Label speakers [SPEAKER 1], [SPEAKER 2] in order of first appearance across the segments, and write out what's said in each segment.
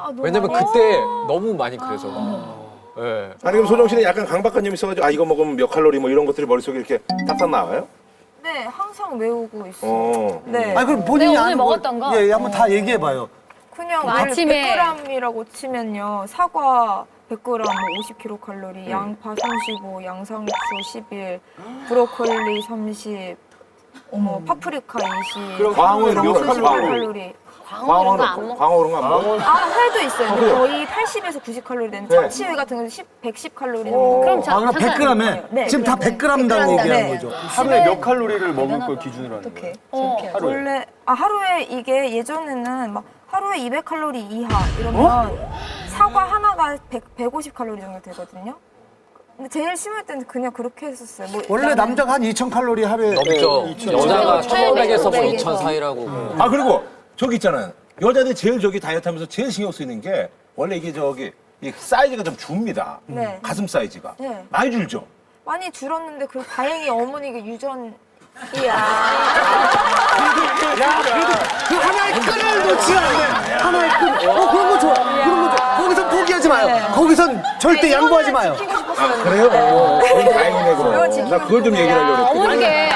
[SPEAKER 1] 왜냐면 그때 너무 많이 그래서. 네.
[SPEAKER 2] 아니 그럼 소정 씨는 약간 강박관념이 있어가지고 이거 먹으면 몇 칼로리 뭐 이런 것들이 머릿속에 이렇게 딱딱 나와요?
[SPEAKER 3] 네, 항상 외우고 있어요. 네.
[SPEAKER 4] 아니 그럼 본인이
[SPEAKER 5] 내가 오늘
[SPEAKER 4] 아는 거,
[SPEAKER 5] 먹었던 거?
[SPEAKER 4] 예, 한번 다 얘기해봐요.
[SPEAKER 3] 그냥
[SPEAKER 5] 아침에
[SPEAKER 3] 100g이라고 치면요. 사과 100g 50kcal, 양파 35, 양상추 11, 브로콜리 30, 파프리카 20.
[SPEAKER 2] 광어 이런 거
[SPEAKER 3] 30kcal.
[SPEAKER 5] 광어 이런 거 안 먹어.
[SPEAKER 2] 광어 이런 거 안 먹어?
[SPEAKER 3] 회도 있어요. 근데
[SPEAKER 2] 그래요?
[SPEAKER 3] 거의 80에서 90kcal 되는
[SPEAKER 2] 네.
[SPEAKER 3] 참치회 같은 경우는 110kcal 정도.
[SPEAKER 5] 그럼
[SPEAKER 4] 아, 그럼 100g에?
[SPEAKER 3] 네,
[SPEAKER 4] 지금 다 100g당 얘기하는
[SPEAKER 3] 네.
[SPEAKER 4] 거죠.
[SPEAKER 6] 하루에 몇 칼로리를 먹을 걸 기준으로 하는 거예요?
[SPEAKER 3] 원래 하루에 이게 예전에는 막 하루에 200칼로리 이하 이러면 사과 하나가 150칼로리 정도 되거든요. 근데 제일 심할 때는 그냥 그렇게 했었어요. 뭐
[SPEAKER 4] 원래
[SPEAKER 3] 나는
[SPEAKER 4] 남자가 한 2000칼로리 하루에
[SPEAKER 1] 넘죠. 여자가 1500에서 뭐
[SPEAKER 5] 1500
[SPEAKER 1] 2000 사이라고.
[SPEAKER 2] 아 그리고 저기 있잖아요. 여자들이 제일 저기 다이어트 하면서 제일 신경 쓰이는 게 원래 이게 저기 이 사이즈가 좀 줍니다.
[SPEAKER 3] 네.
[SPEAKER 2] 가슴 사이즈가.
[SPEAKER 3] 네.
[SPEAKER 2] 많이 줄죠?
[SPEAKER 3] 많이 줄었는데 그 다행히 어머니가 유전이야.
[SPEAKER 4] 그 하나의 끈을 놓지 않네. 하나의 끈. 그런 거 좋아. 그런 거 좋아. 거기서 포기하지 마요. 거기선 절대 양보하지 마요.
[SPEAKER 3] 지키고 싶었어요.
[SPEAKER 2] 그래요? 다행이네 그럼. 나 그걸 좀 얘기를 하려고 했거든.
[SPEAKER 5] 어머니게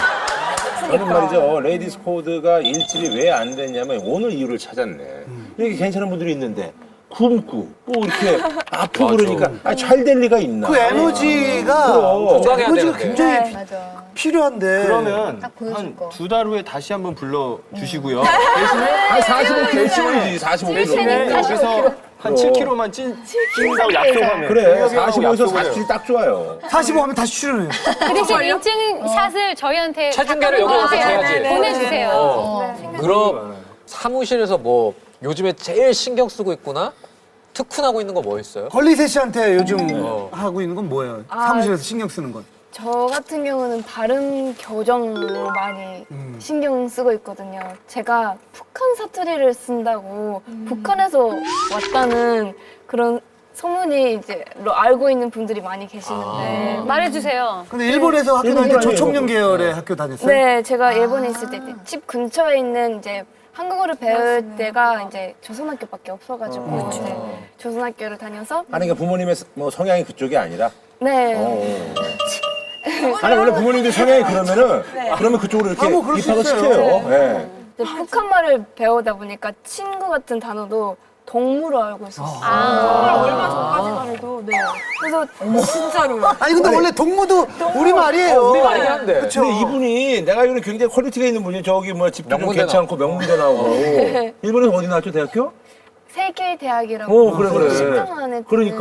[SPEAKER 2] 저는 말이죠. 레이디스 코드가 일집이 왜 안 됐냐면 오늘 이유를 찾았네. 이렇게 괜찮은 분들이 있는데 굶고 또 이렇게 아프고 그러니까 잘 될 리가 있나.
[SPEAKER 4] 그 에너지가
[SPEAKER 1] 건강해야
[SPEAKER 4] 에너지가
[SPEAKER 1] 되는데.
[SPEAKER 4] 굉장히
[SPEAKER 5] 맞아.
[SPEAKER 4] 필요한데.
[SPEAKER 6] 그러면
[SPEAKER 5] 딱 보여줄
[SPEAKER 6] 한
[SPEAKER 5] 거.
[SPEAKER 6] 2달 후에 다시 한번 불러주시고요.
[SPEAKER 2] 아 45 결심이지 45kg.
[SPEAKER 6] 대신에 여기서 한 7kg만 찐다고 약속하면.
[SPEAKER 2] 그래
[SPEAKER 6] 형이랑
[SPEAKER 2] 45에서
[SPEAKER 6] 약속을 해요.
[SPEAKER 2] 47 딱 좋아요.
[SPEAKER 4] 45 하면 다시 출연해요.
[SPEAKER 5] 그 대신 인증샷을 저희한테
[SPEAKER 1] 체중계를 여기 와서 재야지.
[SPEAKER 5] 보내주세요.
[SPEAKER 1] 그럼 사무실에서 뭐 요즘에 제일 신경 쓰고 있구나? 특훈하고 있는 거 뭐 있어요?
[SPEAKER 4] 걸리세 씨한테 요즘 하고 있는 건 뭐예요? 사무실에서 신경 쓰는 건.
[SPEAKER 7] 저 같은 경우는 발음 교정을 많이 신경 쓰고 있거든요. 제가 북한 사투리를 쓴다고 북한에서 왔다는 그런 소문이 이제 알고 있는 분들이 많이 계시는데.
[SPEAKER 5] 말해주세요.
[SPEAKER 4] 근데 일본에서 학교 다닐 때 조총련 계열의 학교 다녔어요?
[SPEAKER 7] 네, 제가 일본에 있을 때 집 근처에 있는 이제 한국어를 배울 때가 이제 조선학교밖에 없어가지고 네, 조선학교를 다녀서
[SPEAKER 2] 아니 그러니까 부모님의 뭐 성향이 그쪽이 아니라.
[SPEAKER 7] 네.
[SPEAKER 2] 아니 원래 부모님들 성향이 그러면은 그러면 그쪽으로 이렇게
[SPEAKER 4] 뭐 그럴 수
[SPEAKER 2] 입학을
[SPEAKER 4] 있어요.
[SPEAKER 2] 시켜요. 예.
[SPEAKER 7] 이제 북한말을 배우다 보니까 친구 같은 단어도 동무로 알고 있었어요.
[SPEAKER 3] 얼마 전까지만 해도 네. 그래서 진짜로.
[SPEAKER 4] 아니 근데 원래 동무도 우리 말이에요.
[SPEAKER 1] 우리 말이긴 한데.
[SPEAKER 2] 근데 이분이 내가 알기로는 굉장히 퀄리티가 있는 분이 저기 뭐 집도 좀
[SPEAKER 1] 명문대
[SPEAKER 2] 괜찮고 명문대 나오고 일본에서 어디 나왔죠 대학교?
[SPEAKER 7] 세계대학이라고
[SPEAKER 2] 그래 그래.
[SPEAKER 7] 10등 안에
[SPEAKER 2] 그러니까.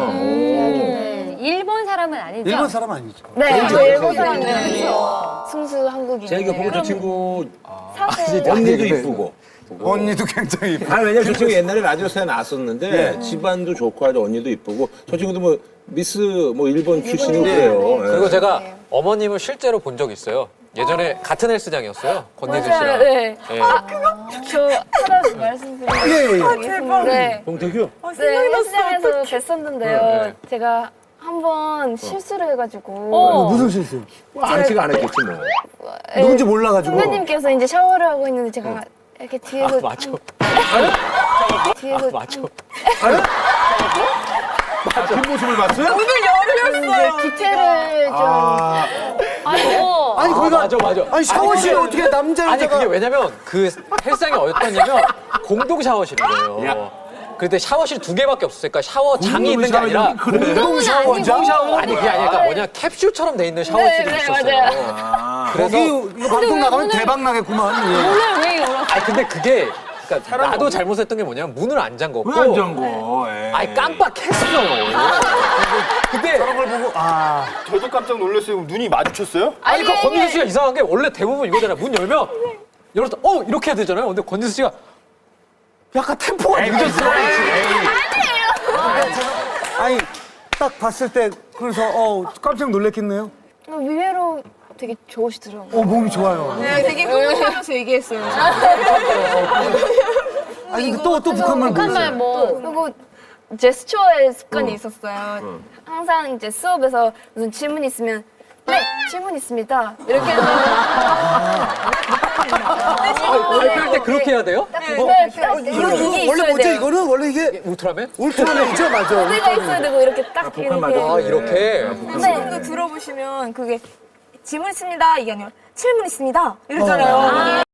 [SPEAKER 7] 대학인데
[SPEAKER 5] 일본 사람은 아니죠?
[SPEAKER 4] 일본 사람 아니죠.
[SPEAKER 7] 네, 저 일본 사람인데 승수 한국인이에요.
[SPEAKER 2] 제가 보고 저 친구
[SPEAKER 7] 사실
[SPEAKER 2] 언니도 이쁘고.
[SPEAKER 4] 언니도 굉장히 이뻐.
[SPEAKER 2] 아니 왜냐면 저 친구 옛날에 라디오스에 나왔었는데 집안도 좋고 아주 언니도 이쁘고 저 친구도 뭐 미스 뭐 일본 출신이고 그래요. 예.
[SPEAKER 1] 그리고 제가 어머님을 실제로 본 적이 있어요. 예전에 같은 헬스장이었어요. 권예슬 씨랑.
[SPEAKER 7] 맞아요. 네.
[SPEAKER 1] 예.
[SPEAKER 7] 저 하나 말씀드리면
[SPEAKER 4] 예.
[SPEAKER 7] 네.
[SPEAKER 2] 봉태규?
[SPEAKER 7] 네, 헬스장에서 뵀었는데요.
[SPEAKER 1] 네.
[SPEAKER 7] 제가 한번 실수를 해가지고
[SPEAKER 4] 무슨 실수?
[SPEAKER 2] 아는 안 했겠지 뭐.
[SPEAKER 7] 네,
[SPEAKER 4] 누군지 몰라가지고.
[SPEAKER 7] 선배님께서 이제 샤워를 하고 있는데 제가 이렇게 뒤에서
[SPEAKER 1] 맞아.
[SPEAKER 7] 뒤에서
[SPEAKER 1] 맞아.
[SPEAKER 2] 뒷모습을 봤어요?
[SPEAKER 7] 이제 디테일을 좀
[SPEAKER 5] 아이고.
[SPEAKER 4] 아니 거기가
[SPEAKER 1] 맞아.
[SPEAKER 4] 아니 샤워실에 어떻게 남자
[SPEAKER 1] 아니
[SPEAKER 4] 여자가
[SPEAKER 1] 그게 왜냐면 그 헬스장이 어였냐면 공동 샤워실인 거예요. 그때 샤워실 2개밖에 없었으니까 샤워장이 있는 게 아니라
[SPEAKER 4] 공동 샤워장?
[SPEAKER 1] 아니 그게 아니라 그러니까 뭐냐 캡슐처럼 돼 있는 샤워실이
[SPEAKER 7] 네,
[SPEAKER 1] 있었어요.
[SPEAKER 7] 맞아요.
[SPEAKER 1] 그래서
[SPEAKER 4] 거기 이거 방송 나가면 대박 나겠구만. 예.
[SPEAKER 5] 오늘 왜 이러나?
[SPEAKER 1] 아니 근데 그게 그러니까 나도 잘못했던 게 뭐냐면 문을 안 잠궜고
[SPEAKER 2] 왜 안 잠궈? 에이.
[SPEAKER 1] 아니 깜빡했어. 근데
[SPEAKER 4] 그런 걸 보고
[SPEAKER 6] 저도 깜짝 놀랐어요. 눈이 마주쳤어요?
[SPEAKER 1] 아니 그 권지수 씨가 이상한 게 원래 대부분 이거잖아요. 문 열면 열어서 이렇게 해야 되잖아요. 근데 권지수 씨가 약간 템포가 늦었어.
[SPEAKER 4] 아니 딱 봤을 때 그래서 깜짝 놀랐겠네요.
[SPEAKER 7] 의외로 되게 좋으시더라고요.
[SPEAKER 4] 몸이 좋아요.
[SPEAKER 3] 네, 되게 흥분하면서 얘기했어요.
[SPEAKER 4] 아니 근데 또 북한말
[SPEAKER 5] 북한말
[SPEAKER 4] 모르세요?
[SPEAKER 5] 뭐.
[SPEAKER 7] 그리고 제스처의 습관이 있었어요. 항상 이제 수업에서 무슨 질문이 있으면 네, 질문 있습니다. 이렇게 해서
[SPEAKER 1] 발표할 때 그렇게 해야 돼요?
[SPEAKER 7] 네,
[SPEAKER 4] 이거
[SPEAKER 7] 이게
[SPEAKER 4] 원래
[SPEAKER 7] 있어야
[SPEAKER 4] 뭐죠?
[SPEAKER 7] 돼요.
[SPEAKER 4] 이거는 원래 이게
[SPEAKER 1] 울트라맨?
[SPEAKER 4] 울트라맨이죠, 맞아.
[SPEAKER 7] 내가 있어야 되고 이렇게 딱
[SPEAKER 2] 복한
[SPEAKER 7] 이렇게.
[SPEAKER 2] 맞아.
[SPEAKER 1] 아, 이렇게?
[SPEAKER 3] 지금도 들어보시면 그게 질문 있습니다 이게 아니라 질문 있습니다 이러잖아요.